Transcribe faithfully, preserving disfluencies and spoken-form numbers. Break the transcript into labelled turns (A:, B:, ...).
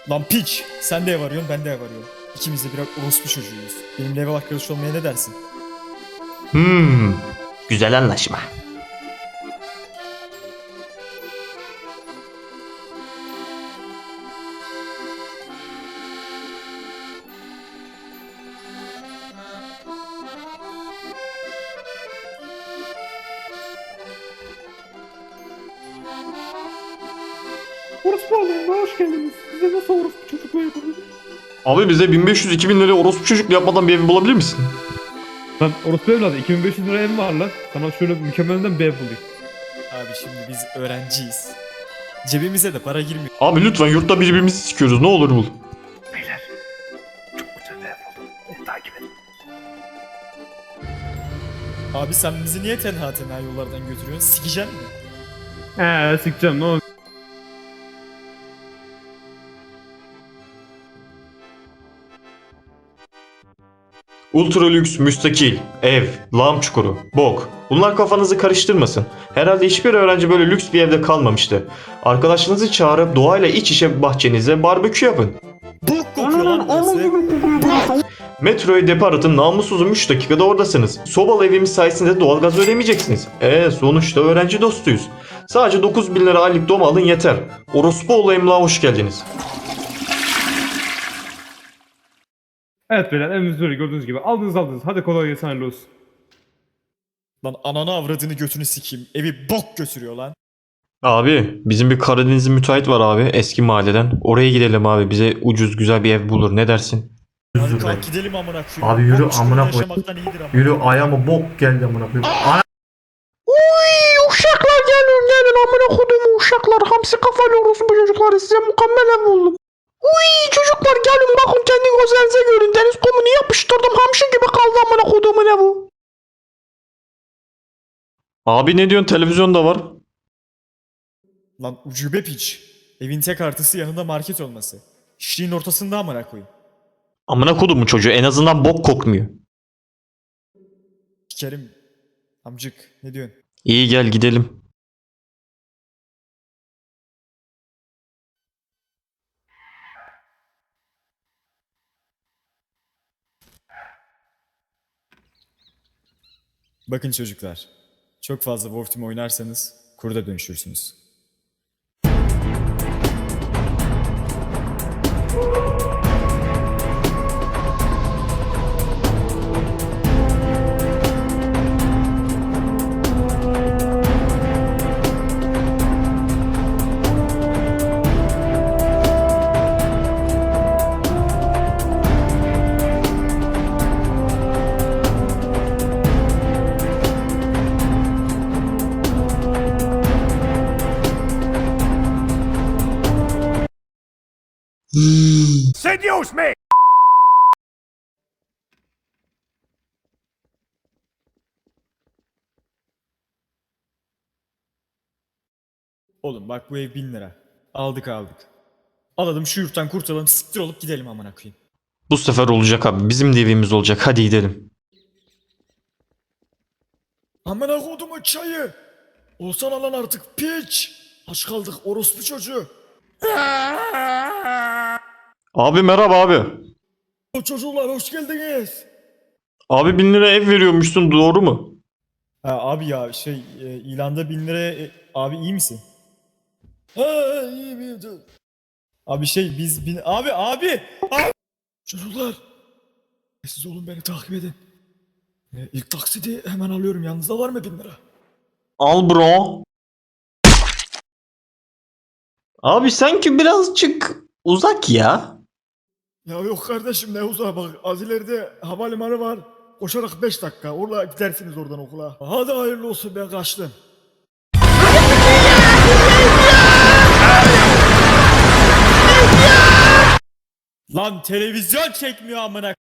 A: Lan piç! Sen de ev arıyorsun, ben de ev arıyorum. İkimiz de birer orospu çocuğuyuz. Benimle ev arkadaş olmaya ne dersin?
B: Hmm, güzel anlaşma.
C: Orospu alayım, hoş geldiniz. Size nasıl orospu çocukluğu yapabilirim?
B: Abi bize bin beş yüz iki bin liraya orospu çocuk yapmadan bir ev bulabilir misin?
C: Lan orospu evladı, iki bin beş yüz lira ev var lan. Sana şöyle mükemmelinden bir ev bulayım.
A: Abi şimdi biz öğrenciyiz. Cebimize de para girmiyor.
B: Abi lütfen yurtta birbirimizi sikiyoruz, ne olur bul.
C: Beyler, çok güzel bir ev buldum. Beni takip edin.
A: Abi sen bizi niye tenha tenha yollardan götürüyorsun? Sikeceksin mi?
C: Eee sikeceğim ne olur.
B: Ultra lüks, müstakil, ev, lağım çukuru, bok. Bunlar kafanızı karıştırmasın. Herhalde hiçbir öğrenci böyle lüks bir evde kalmamıştı. Arkadaşlarınızı çağırıp doğayla iç içe bahçenize barbekü yapın.
A: Bok kokuyor lan burası.
B: Metroya depar atın, namussuzum üç dakikada oradasınız. Sobalı evimiz sayesinde doğalgaz ödemeyeceksiniz. Eee sonuçta öğrenci dostuyuz. Sadece dokuz bin lira aylık dom alın yeter. Orospuoğlu emlağa hoş geldiniz.
C: Evet beyler, evimiz böyle gördüğünüz gibi. Aldınız aldınız. Hadi kolay gelsin, hayırlı olsun.
A: Lan ananı avradını götünü sikeyim. Evi bok götürüyor lan.
B: Abi bizim bir Karadenizli müteahhit var abi eski mahalleden. Oraya gidelim abi, bize ucuz güzel bir ev bulur, ne dersin?
A: Hadi kalk gidelim amına koyayım.
D: Abi yürü
A: Bok çukurunda
D: amına koy.
A: yaşamaktan iyidir ama.
D: Yürü ayağıma bok geldi amına koyayım. Ana
B: Uy uşaklar gelin gelin amına kodumu uşaklar, hamsi kafalı orospu çocuklar, size mükemmel ev buldum. Uy çocuklar gelin bakın kendi gözlerinize görün, deniz kumunu yapıştırdım, hamsi gibi kaldı amına kodumun evi. Abi ne diyorsun, televizyonda var.
A: Lan ucube piç. Evin tek artısı yanında market olması. Şişliğin ortasında amına koyayım.
B: Amına kodumun çocuğu, en azından bok kokmuyor.
A: Kerim. Amcık ne diyorsun?
B: İyi gel gidelim.
A: Bakın çocuklar. Çok fazla Wolf Team oynarsanız kurda dönüşürsünüz. Oğlum bak bu ev bin lira. Aldık aldık. Alalım şu yurttan kurtulalım, siktir olup gidelim amına koyayım.
B: Bu sefer olacak abi, bizim de evimiz olacak, hadi gidelim.
A: Amına kodumun çayı. Olsana lan artık piç. Aç kaldık orospu çocuğu.
B: Abi merhaba abi.
A: O çocuklar hoş geldiniz.
B: Abi bin lira ev veriyormuşsun, doğru mu?
A: Ha, abi ya şey e, ilanda bin liraya e, abi iyi misin? Ha iyiyim iyiyim. dur. Abi şey biz bin abi abi abi. Çocuklar siz olun beni takip edin. E, ilk taksidi hemen alıyorum, yanınızda var mı bin lira?
B: Al bro. Abi sanki birazcık uzak ya.
A: Ya yok kardeşim ne uzağa bak, az ileride havalimanı var. Koşarak beş dakika orada gidersiniz oradan okula. Hadi hayırlı olsun, ben kaçtım. Lan televizyon çekmiyor amına.